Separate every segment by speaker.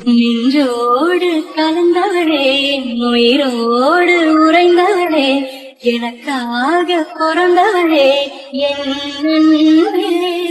Speaker 1: நின்றோடு கலந்தவளே, உயிரோடு உறைந்தவளே, எனக்காக பிறந்தவளே, என் அன்பே.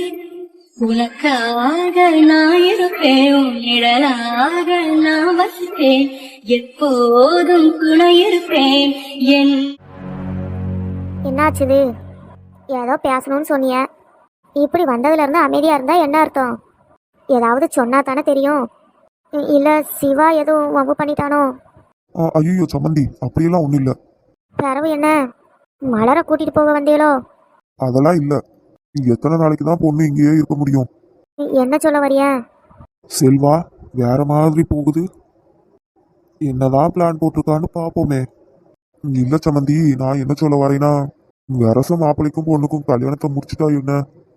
Speaker 1: உனக்காக நான் இருப்பேன், உன் நிழலாக நான் வசிப்பேன், எப்போதும் துணை இருப்பேன் என்.
Speaker 2: என்னாச்சுது? ஏதோ பேசணும்னு சொன்னிய, இப்படி வந்ததுல இருந்து அமைதியா இருந்தா என்ன அர்த்தம்? ஏதாவது சொன்னா தானே தெரியும். இல்ல சிவா எதுவும் வம்பு பண்ணிட்டானோ?
Speaker 3: ஐயோ சம்மந்தி, அப்படியெல்லாம் ஒன்றும் இல்லை.
Speaker 2: பிறவு என்ன, மலரை கூட்டிட்டு போக வந்தீங்களோ?
Speaker 3: அதெல்லாம் இல்லை. எத்தனை நாளைக்கு தான் பொண்ணு இங்கேயே இருக்க முடியும்?
Speaker 2: என்ன சொல்ல வரிய?
Speaker 3: செல்வா வேற மாதிரி போகுது. என்னதான் பிளான் போட்டிருக்கான்னு பார்ப்போமே. இல்லை சம்மந்தி, நான் என்ன சொல்ல வரேன்னா, வரச மாப்பிள்ளைக்கும் பொண்ணுக்கும் கல்யாணத்தை முடிச்சுட்டா என்ன?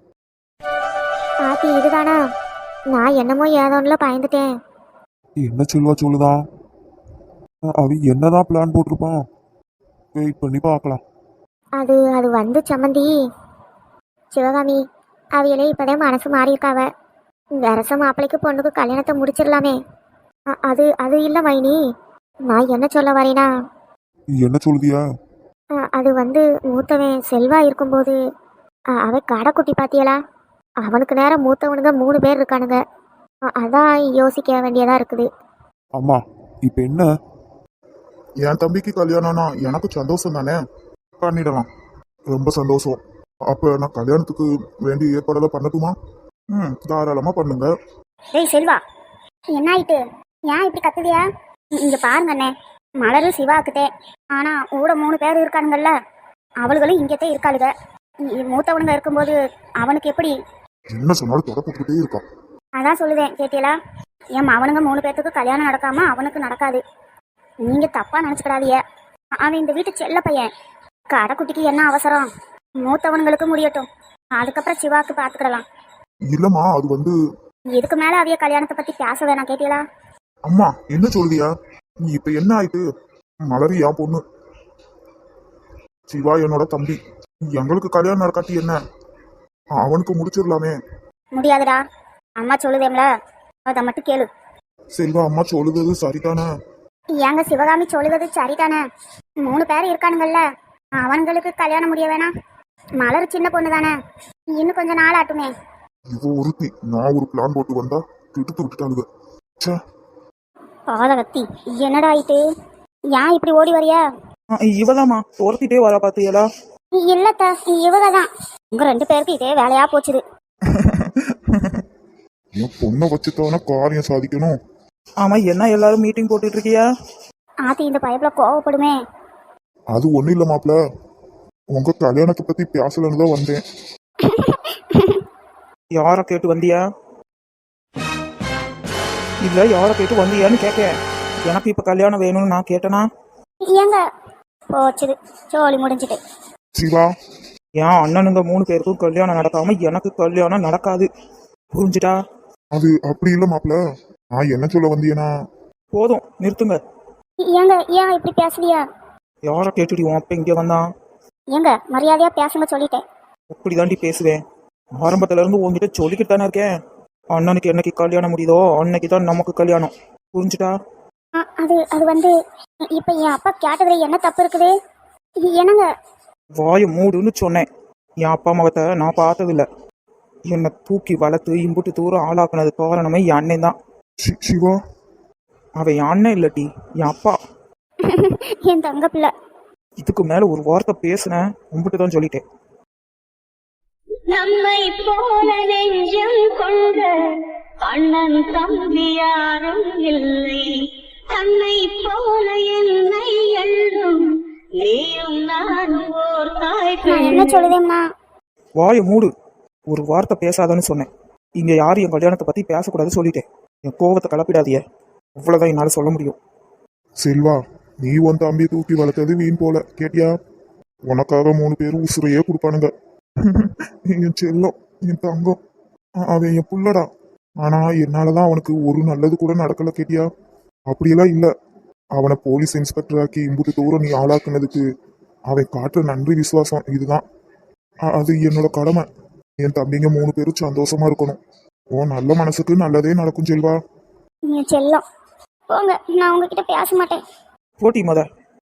Speaker 2: ஆத்தி இதுதானா? நான் என்னமோ ஏதோன்னுல பயந்துட்டேன்.
Speaker 3: என்ன செல்வா சொல்லுதான்? அவன் என்னதான் பிளான் போட்டிருப்பான்? வெயிட் பண்ணி பார்க்கலாம்.
Speaker 2: அது அது வந்து சம்மந்தி, சிவகாமி அவையிலே இப்போதான் மனசு மாறி இருக்காவ. வரச மாப்பிள்ளைக்கு பொண்ணுக்கு கல்யாணத்தை முடிச்சிடலாமே. அது அது இல்லை மைனி, நான் என்ன சொல்ல வரேனா,
Speaker 3: என்ன சொல்லுதியா?
Speaker 2: அது வந்து மூத்தவன் செல்வா இருக்கும்போது அவன் கடைக்குட்டி பாத்தியலா, அவனுக்கு நேரம் மூத்தவனுங்க 3 பேர் இருக்கானுங்க. அதான் யோசிக்க வேண்டியதா இருக்குது.
Speaker 3: அம்மா இப்ப என்ன?
Speaker 4: என் தம்பிக்கு கல்யாணம்னா எனக்கு சந்தோஷம் தானே, பண்ணிடலாம். ரொம்ப சந்தோஷம். அப்ப நான் கல்யாணத்துக்கு வேண்டிய ஏற்பாடெல்லாம் பண்ணட்டுமா? தாராளமா பண்ணுங்க.
Speaker 2: டேய் செல்வா, என்ன ஆயிட்டு? ஏன் இப்படி கத்துதியா? இங்க பாருங்க அண்ணே, மலரு சிவாக்குதே, ஆனா கூட 3 பேர் இருக்கானுங்கல்ல, அவளுகளும் இங்கத்தே இருக்காளுங்க. மூத்தவனுங்க இருக்கும்போது அவனுக்கு எப்படி?
Speaker 4: என்ன சொன்னாலும் தொடப்பட்டுக்கிட்டே இருக்கான்.
Speaker 2: அதான் சொல்லுவேன், கேட்டியலா? என் அவனுங்க 3 பேர்த்துக்கு கல்யாணம் நடக்காம அவனுக்கு நடக்காது. நீங்க தப்பா நினைச்சுக்கிடாதீங்க. அவன் இந்த வீட்டு செல்ல பையன். கடைக்குட்டிக்கு என்ன அவசரம்? மூத்தவனுங்களுக்கு முடியட்டும், அதுக்கப்புறம் சிவாக்கு பாத்துக்கிடலாம்.
Speaker 4: இல்லம்மா, அது வந்து
Speaker 2: இதுக்கு மேல அவிய கல்யாணத்தை பத்தி பேச வேணாம், கேட்டியலா?
Speaker 4: அம்மா என்ன சொல்லுதியா? இப்ப என்ன ஆயிட்டு? மலரி என் பொண்ணு, சிவா என்னோட தம்பி. எங்களுக்கு கல்யாணம் நடக்காட்டி என்ன, அவனுக்கு முடிச்சிடலாமே.
Speaker 2: முடியாதுடா, அம்மா சொல்லுதேம்ல, அதை மட்டும் கேளு.
Speaker 4: செல்வா, அம்மா சொல்லுறது சரிதானே?
Speaker 2: ஏங்க சிவகாமி சொல்லுவது சரிதானே? 3 பேர் இருக்கானுங்கல்ல, அவனுங்களுக்கு கல்யாணம் முடிய வேணாம். மலர் சின்ன பொண்ணு தானே, இன்னும் கொஞ்சம் நாள் ஆட்டுமே.
Speaker 4: இவ ஒருத்தி நான் ஒரு பிளான் போட்டு வந்தா திட்டு விட்டுட்டாளுங்க.
Speaker 2: பாதகத்தி, என்னடா ஆயிட்டு? ஏன் இப்படி ஓடி வரியா?
Speaker 5: இவதாமா துரத்திட்டே வர பாத்தியலா?
Speaker 2: இல்லத்த, இவகதான். உங்க 2 பேருக்கு இதே வேலையா போச்சுது.
Speaker 4: என் பொண்ணை வச்சுத்தான காரியம் சாதிக்கணும்.
Speaker 5: ஆமா, என்ன எல்லாரும் மீட்டிங் போட்டுட்டு இருக்கியா?
Speaker 2: ஆத்தி இந்த பயப்புல கோவப்படுமே.
Speaker 4: அது ஒண்ணும் இல்ல மாப்ள, உங்க கல்யாணத்தை பத்தி பேசலன்னு தான் வந்தேன்.
Speaker 5: யார கேட்டு வந்தியா? இல்ல யார கேட்டு வந்தியான்னு கேட்க. எனக்கு இப்ப கல்யாணம் வேணும்னு நான் கேட்டனா?
Speaker 2: ஏங்க போச்சுது, சோழி முடிஞ்சிட்டு.
Speaker 4: சிவா,
Speaker 5: என் அண்ணனுங்க 3 பேருக்கும் கல்யாணம் நடக்காம எனக்கு கல்யாணம் நடக்காது, புரிஞ்சுட்டா?
Speaker 4: அது அப்படி இல்ல மாப்ள, நான் என்ன சொல்ல வந்தியனா.
Speaker 5: போதும் நிறுத்துங்க.
Speaker 2: ஏங்க ஏன் இப்படி பேசலையா?
Speaker 5: யார கேட்டுடி உன் அப்ப இங்க வந்தான்?
Speaker 2: ஏங்க மரியாதையா பேசுங்க சொல்லிட்டேன்.
Speaker 5: அப்படிதாண்டி பேசுவேன். ஆரம்பத்துல இருந்து உங்ககிட்ட சொல்லிக்கிட்டு தானே இருக்கேன். அண்ணனுக்கு என்னைக்கு கல்யாணம் முடியுதோ அன்னைக்கு தான் நமக்கு கல்யாணம், புரிஞ்சுட்டா?
Speaker 2: அது அது வந்து இப்ப என் அப்பா கேட்டதுல என்ன தப்பு இருக்குது? என்னங்க?
Speaker 5: வாய மூடுன்னு சொன்னேன். என் அப்பா அம்மாவத்தை நான் பார்த்ததில்ல. என்னை தூக்கி வளர்த்து இம்புட்டு தூரம் ஆளாக்குனது காரணமே என் அண்ணன் தான்.
Speaker 4: சிவா,
Speaker 5: அவன் என் அண்ணன் இல்லட்டி என் அப்பா.
Speaker 2: என் தங்க பிள்ளை.
Speaker 5: இதுக்கு மேல ஒரு வார்த்தை பேசுனேன் உம்பிட்டு தான் சொல்லிட்டேன்.
Speaker 1: நம்மை போல நெஞ்சம் கொண்ட அண்ணன் தம்பி யாரும் இல்லை, தன்னை போல என்னை எழுதும் நீயும் நானும் ஓர் தாய்.
Speaker 2: நான் என்ன சொல்லுதேம்னா?
Speaker 5: வாய மூடு, ஒரு வார்த்தை பேசாதன்னு சொன்னேன். இங்க யாரும் என் கல்யாணத்தை பத்தி பேசக்கூடாது சொல்லிட்டேன். என் கோவத்தை கலப்பிடாதிய, அவ்வளவுதான் என்னால சொல்ல முடியும்.
Speaker 4: செல்வா, நீ உன் தம்பியை தூக்கி வளர்த்தது வீண் போல, கேட்டியா? உனக்காக 3 பேரும் உசுரையே கொடுப்பானுங்க. என் செல்லம், என் தங்கம், அவன் என் புள்ளடா. ஆனா என்னாலதான் அவனுக்கு ஒரு நல்லது கூட நடக்கல, கேட்டியா? அப்படியெல்லாம் இல்ல, அவனை போலீஸ் இன்ஸ்பெக்டர் ஆக்கி இம்புட்டு தூரம் நீ ஆளாக்குனதுக்கு அவன் காட்டுற நன்றி விசுவாசம் இதுதான். அது என்னோட கடமை. என் தம்பிங்க 3 பேரும் சந்தோஷமா இருக்கணும். உன் நல்ல மனசுக்கு நல்லதே நடக்கும் செல்வா.
Speaker 2: என் செல்லம் போங்க, நான் உங்ககிட்ட பேச மாட்டேன்.
Speaker 5: போட்டி முத.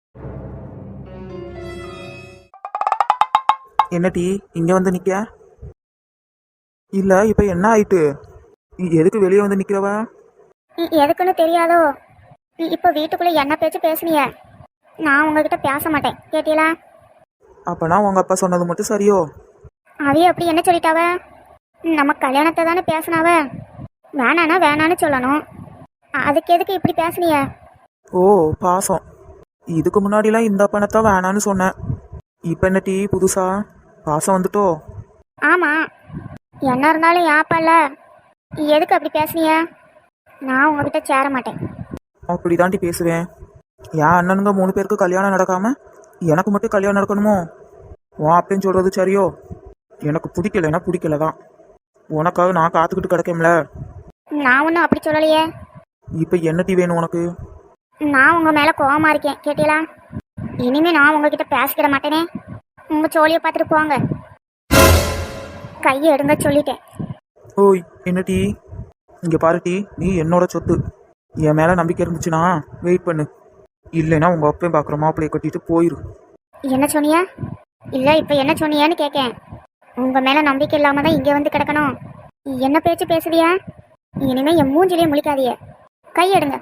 Speaker 5: என்ன டீ இங்க வந்து நிக்க? இல்ல இப்ப என்ன ஆயிட்டு? எதுக்கு வெளியே வந்து நிக்கிறவ?
Speaker 2: எதுக்குன்னு தெரியாதோ? இப்போ வீட்டுக்குள்ள என்ன பேச்சு பேசுனீங்க? நான் உங்ககிட்ட பேச மாட்டேன் கேட்டீங்களா?
Speaker 5: அப்பனா உங்க அப்பா சொன்னது மட்டும் சரியோ?
Speaker 2: அவைய அப்படி என்ன சொல்லிட்டாவ? நம்ம கல்யாணத்தை தானே பேசினாவ. வேணானா வேணான்னு சொல்லணும். அதுக்கு எதுக்கு இப்படி பேசுனீங்க?
Speaker 5: ஓ பாசம். இதுக்கு முன்னாடிலாம் இந்த பணத்தை வேணான்னு சொன்னேன். இப்ப என்ன டீ புதுசா பாசம் வந்துட்டோ?
Speaker 2: ஆமா, என்ன இருந்தாலும் யாப்பால எதுக்கு அப்படி பேசுனீங்க? நான் உங்ககிட்ட சேர மாட்டேன்.
Speaker 5: அப்படிதாண்டி பேசுவேன். என் அண்ணனுங்க 3 பேருக்கு கல்யாணம் நடக்காம எனக்கு மட்டும் கல்யாணம் நடக்கணுமோ? உன் அப்படின்னு சொல்றது சரியோ? எனக்கு பிடிக்கலன்னா பிடிக்கல தான். உனக்காக நான் காத்துக்கிட்டு கிடக்கேன்ல.
Speaker 2: நான் ஒன்றும் அப்படி சொல்லலையே.
Speaker 5: இப்போ என்ன டீ வேணும் உனக்கு?
Speaker 2: நான் உங்க மேல கோவமா இருக்கேன் கேட்டீங்களா? இனிமே நான் உங்ககிட்ட பேசிக்கிட மாட்டேனே. உங்க சோழியை பார்த்துட்டு போங்க. கையை எடுங்க சொல்லிட்டேன்.
Speaker 5: ஓய் என்ன டீ? இங்க பாரு டீ, நீ என்னோட சொத்து. என் மேல நம்பிக்கை இருந்துச்சுன்னா வெயிட் பண்ணு. இல்லைன்னா உங்க அப்பையும் பார்க்குற மாப்பிள்ளையை கட்டிட்டு போயிரு.
Speaker 2: என்ன சொன்னியா? இல்ல இப்ப என்ன சொன்னியான்னு கேட்கேன். உங்க மேல நம்பிக்கை இல்லாம தான் இங்க வந்து கிடக்கணும். என்ன பேச்சு பேசுவியா? இனிமே என் மூஞ்சிலே முழிக்காதீங்க. கையெடுங்க.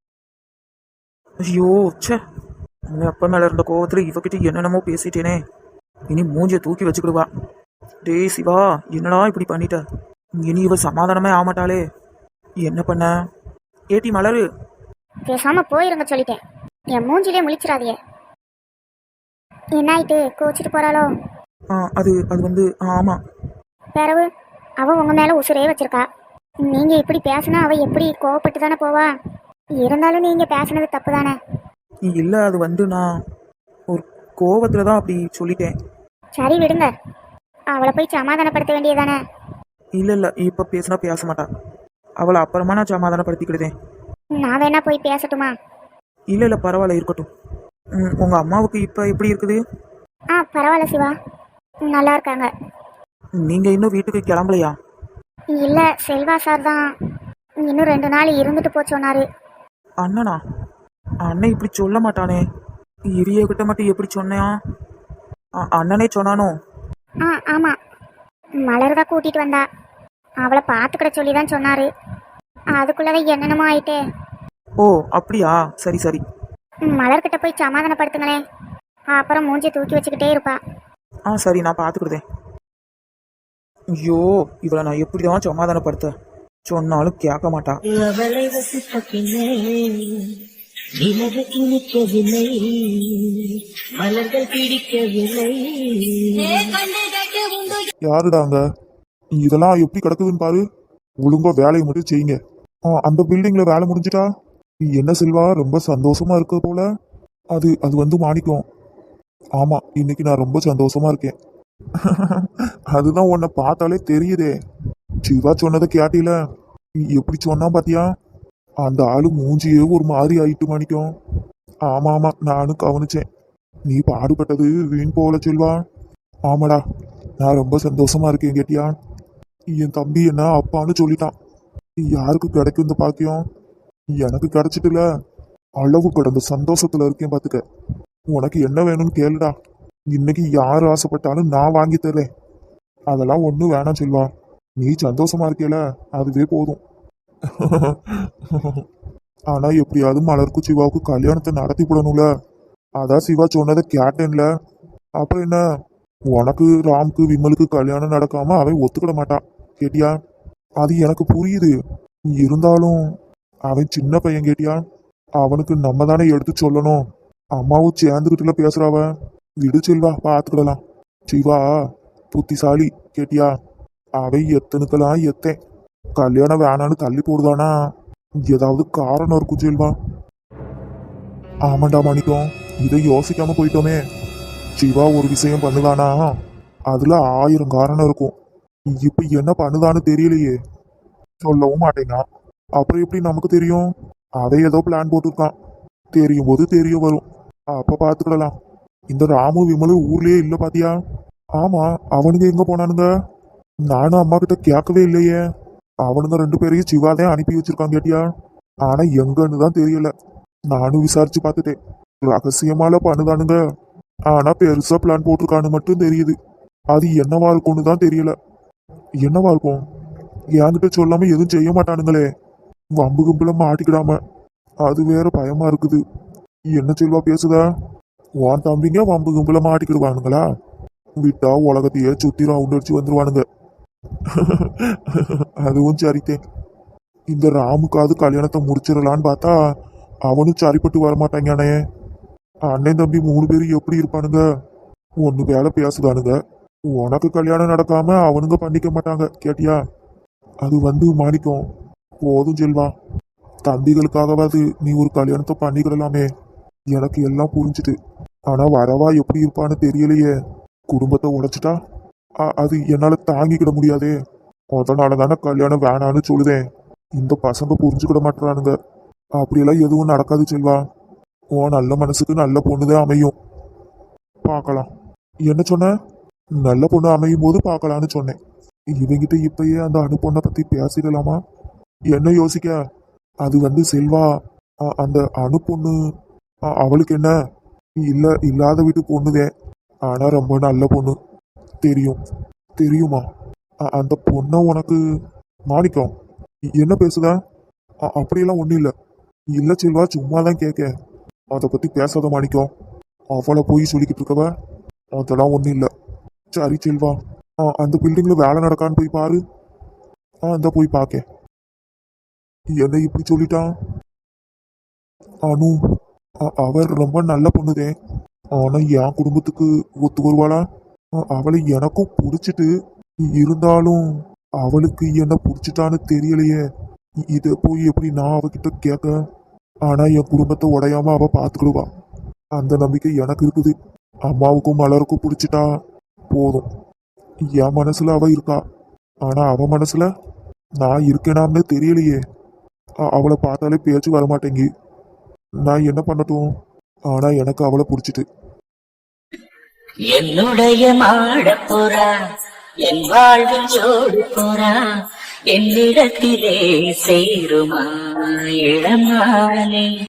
Speaker 5: ஐயோ ச்சே, உன் அப்பா மேல இருந்த கோவத்துல இவகிட்ட என்னென்னமோ பேசிட்டேனே. இனி மூஞ்சியை தூக்கி வச்சுக்கிடுவா. டேய் சிவா, என்னடா இப்படி பண்ணிட்ட? இனி இவ சமாதானமே ஆகமாட்டாளே. என்ன பண்ண? ஏட்டி மலரு,
Speaker 2: பேசாம போயிருங்க சொல்லிட்டேன். என் மூஞ்சிலே முழிச்சிடாதீங்க. என்ன ஆயிட்டு கோச்சிட்டு போறாளோ?
Speaker 5: அது அது வந்து ஆமா.
Speaker 2: பிறவு அவ உங்க மேல உசுரே வச்சிருக்கா. நீங்க இப்படி பேசினா அவ எப்படி கோவப்பட்டு தானே போவா? இருந்தாலும் நீங்க பேசுனது தப்பு தானே.
Speaker 5: இல்ல அது வந்து நான் ஒரு கோவத்துல தான் அப்படி சொல்லிட்டேன்.
Speaker 2: சரி விடுங்க. அவளை போய் சமாதானப்படுத்த வேண்டியதானே.
Speaker 5: இல்ல இப்ப பேசினா பேச மாட்டா. அவளை அப்புறமா நான் சமாதானப்படுத்திக்கிடுதேன்.
Speaker 2: நான் வேணா போய் பேசட்டுமா?
Speaker 5: இல்ல பரவாயில்ல இருக்கட்டும். உங்க அம்மாவுக்கு இப்ப எப்படி இருக்குது?
Speaker 2: பரவாயில்ல சிவா, நல்லா இருக்காங்க.
Speaker 5: நீங்க இன்னும் வீட்டுக்கு கிளம்பலையா?
Speaker 2: இல்ல, செல்வா சார் தான் இன்னும் 2 நாள் இருந்துட்டு போ சொன்னாரு.
Speaker 5: அண்ணனா? அண்ணன் இப்படி சொல்ல மாட்டானே. இரிய கிட்ட மட்டும் எப்படி சொன்னான்? அண்ணனே சொன்னானோ?
Speaker 2: ஆமா, மலர் தான் கூட்டிட்டு வந்தா. அவளை பார்த்துக்கிட சொல்லி தான் சொன்னாரு. அதுக்குள்ளதான் என்னென்னமோ ஆயிட்டே.
Speaker 5: ஓ அப்படியா, சரி சரி.
Speaker 2: மலர்கிட்ட போய் சமாதானப்படுத்துங்களேன். அப்புறம் மூஞ்சி தூக்கி வச்சுக்கிட்டே இருப்பா.
Speaker 5: சரி நான் பார்த்துக்கிடுதேன். ஐயோ இவளை நான் எப்படிதான் சமாதானப்படுத்த சொன்னாலும் கேட்க மாட்டா.
Speaker 1: அவளை வசித்த பின்னே நிலவு இனிக்கவில்லை, மலர்கள் பிடிக்கவில்லை.
Speaker 3: யாருடாங்க? இதெல்லாம் எப்படி கிடக்குதுன்னு பாரு. ஒழுங்கா வேலையை மட்டும் செய்யுங்க. அந்த பில்டிங்ல வேலை முடிஞ்சிட்டா? என்ன செல்வா, ரொம்ப சந்தோஷமா இருக்க போல. அது அது வந்து மாணிக்கம். ஆமா, இன்னைக்கு நான் ரொம்ப சந்தோஷமா இருக்கேன். அதுதான் உன்னை பார்த்தாலே தெரியுதே. சிவா சொன்னதை கேட்டீல? எப்படி சொன்னா பாத்தியா? அந்த ஆளு மூஞ்சியே ஒரு மாதிரி ஆயிட்டு மாணிக்கம். ஆமா ஆமா, நானும் கவனிச்சேன். நீ பாடுபட்டது வீண் போல செல்வா. ஆமாடா, நான் ரொம்ப சந்தோஷமா இருக்கேன் கேட்டியா? என் தம்பி என்ன அப்பான்னு சொல்லிட்டான். யாருக்கு கிடைக்கும் இந்த பாக்கியம்? எனக்கு கிடைச்சிட்டுல. அளவு கடந்த சந்தோஷத்துல இருக்கேன் பாத்துக்க. உனக்கு என்ன வேணும்னு கேளுடா. இன்னைக்கு யார் ஆசைப்பட்டாலும் நான் வாங்கி தரேன். அதெல்லாம் ஒன்றும் வேணாம் செல்வா. நீ சந்தோஷமா இருக்கேல, அதுவே போதும். ஆனா எப்படியாவது மலருக்கு சிவாவுக்கு கல்யாணத்தை நடத்தி விடணும்ல. அதான் சிவா சொன்னதை கேட்டேன்ல. அப்புறம் என்ன, உனக்கு ராம்க்கு விமலுக்கு கல்யாணம் நடக்காம அவன் ஒத்துக்கிட மாட்டான் கேட்டியா? அது எனக்கு புரியுது. இருந்தாலும் அவன் சின்ன பையன் கேட்டியா? அவனுக்கு நம்ம தானே எடுத்து சொல்லணும். அம்மாவும் சேர்ந்துக்கிட்டுல பேசுறாவ. விடு செல்வா, பார்த்துக்கிடலாம். சிவா புத்திசாலி கேட்டியா? அவன் எத்தனுக்கெல்லாம் எத்தேன். கல்யாணம் வேணான்னு தள்ளி போடுதானா? ஏதாவது காரணம் இருக்கும் செல்வா. ஆமாண்டா மாணிக்கம், இதை யோசிக்காம போயிட்டோமே. சிவா ஒரு விஷயம் பண்ணுதானா, அதுல 1000 காரணம் இருக்கும். இப்ப என்ன பண்ணுதான்னு தெரியலையே. சொல்லவும் மாட்டேங்க. அப்புறம் எப்படி நமக்கு தெரியும்? அதை ஏதோ பிளான் போட்டிருக்கான். தெரியும் போது தெரிய வரும். அப்ப பாத்துக்கிடலாம். இந்த ராமு விமலு ஊர்லயே இல்ல பாத்தியா? ஆமா, அவனுங்க எங்க போனானுங்க? நானும் அம்மா கிட்ட கேட்கவே இல்லையே. அவனுங்க 2 பேரையும் சிவாதான் அனுப்பி வச்சிருக்கான் கேட்டியா? ஆனா எங்கன்னு தான் தெரியல. நானும் விசாரிச்சு பார்த்துட்டேன். ரகசியமால பண்ணுதானுங்க. ஆனா பெருசா பிளான் போட்டிருக்கான்னு மட்டும் தெரியுது. அது என்னவா இருக்கும்னு தான் தெரியல. என்னவா இருக்கும்? என்கிட்ட சொல்லாம எதுவும் செய்ய மாட்டானுங்களே. வம்பு கும்பல மாட்டிக்கிடாம. அது வேற பயமா இருக்குது. என்ன செல்வா பேசுதா? உன் தம்பிங்க வம்பு கும்பல மாட்டிக்கிடுவானுங்களா? விட்டா உலகத்தையே சுத்தி ரவுண்ட் அடிச்சு வந்துருவானுங்க. அதுவும் சரித்தேன். இந்த ராமுக்காவது கல்யாணத்தை முடிச்சிடலான்னு பார்த்தா அவனும் சரிப்பட்டு வரமாட்டாங்கானே. அண்ணன் தம்பி 3 பேரும் எப்படி இருப்பானுங்க? ஒண்ணு வேலை பேசுதானுங்க. உனக்கு கல்யாணம் நடக்காம அவனுங்க பண்ணிக்க மாட்டாங்க, கேட்டியா? அது மாணிக்கம், போதும் செல்வா. தம்பிகளுக்காகவாது நீ ஒரு கல்யாணத்தை பண்ணிக்கிடலாமே. எனக்கு எல்லாம் புரிஞ்சுது. ஆனா வரவா எப்படி இருப்பான்னு தெரியலையே. குடும்பத்தை உடைச்சிட்டா அது என்னால தாங்கிக்கிட முடியாதே. அதனால தானே கல்யாணம் வேணான்னு சொல்லுதேன். இந்த பசங்க புரிஞ்சுக்கிட மாட்டானுங்க. அப்படியெல்லாம் எதுவும் நடக்காது செல்வா. உன் நல்ல மனசுக்கு நல்ல பொண்ணுதான் அமையும். பார்க்கலாம். என்ன சொன்ன? நல்ல பொண்ணு அமையும் போது பார்க்கலான்னு சொன்னேன். இவங்கிட்ட இப்பயே அந்த அணு பொண்ணை பத்தி பேசிடலாமா? என்ன யோசிக்க? அது செல்வா, அந்த அணு பொண்ணு அவளுக்கு என்ன? இல்லாத வீட்டு பொண்ணுதே. ஆனா ரொம்ப நல்ல பொண்ணு. தெரியும். தெரியுமா? அந்த பொண்ணை உனக்கு மாணிக்கம் என்ன பேசுதா? அப்படியெல்லாம் ஒண்ணும் இல்ல. இல்ல செல்வா, சும்மா தான் கேட்க. அதை பத்தி பேசாத மாணிக்கம். அவளை போய் சொல்லிக்கிட்டு இருக்கவ. அதெல்லாம் ஒண்ணும் இல்ல. சரி செல்வா, அந்த பில்டிங்ல வேலை நடக்கான்னு போய் பாரு. அந்த போய் பார்க்க. என்ன இப்படி சொல்லிட்டான்? அனு அவர் ரொம்ப நல்ல பொண்ணுதே. ஆனா என் குடும்பத்துக்கு ஒத்து வருவாளா? அவளை எனக்கும் பிடிச்சிட்டு இருந்தாலும் அவளுக்கு என்ன பிடிச்சிட்டான்னு தெரியலையே. இத போய் எப்படி நான் அவகிட்ட கேட்க? ஆனா என் குடும்பத்தை உடையாம அவ பாத்துக்கிடுவா. அந்த நம்பிக்கை எனக்கு இருக்குது. அம்மாவுக்கும் மலருக்கும் பிடிச்சிட்டா போதும். என் மனசுல அவ இருக்கா. ஆனா அவ மனசுல நான் இருக்கேனாம்னு தெரியலையே. அவளை பார்த்தாலே பேச்சு வரமாட்டேங்கி. நான் என்ன பண்ணட்டும்? ஆனா எனக்கு அவளை பிடிச்சிட்டு.
Speaker 1: என்னுடைய மாடப்புறா என் வாழ்வில் ஜோடி புறா என்னிடத்திலே சேருமா இளமானே.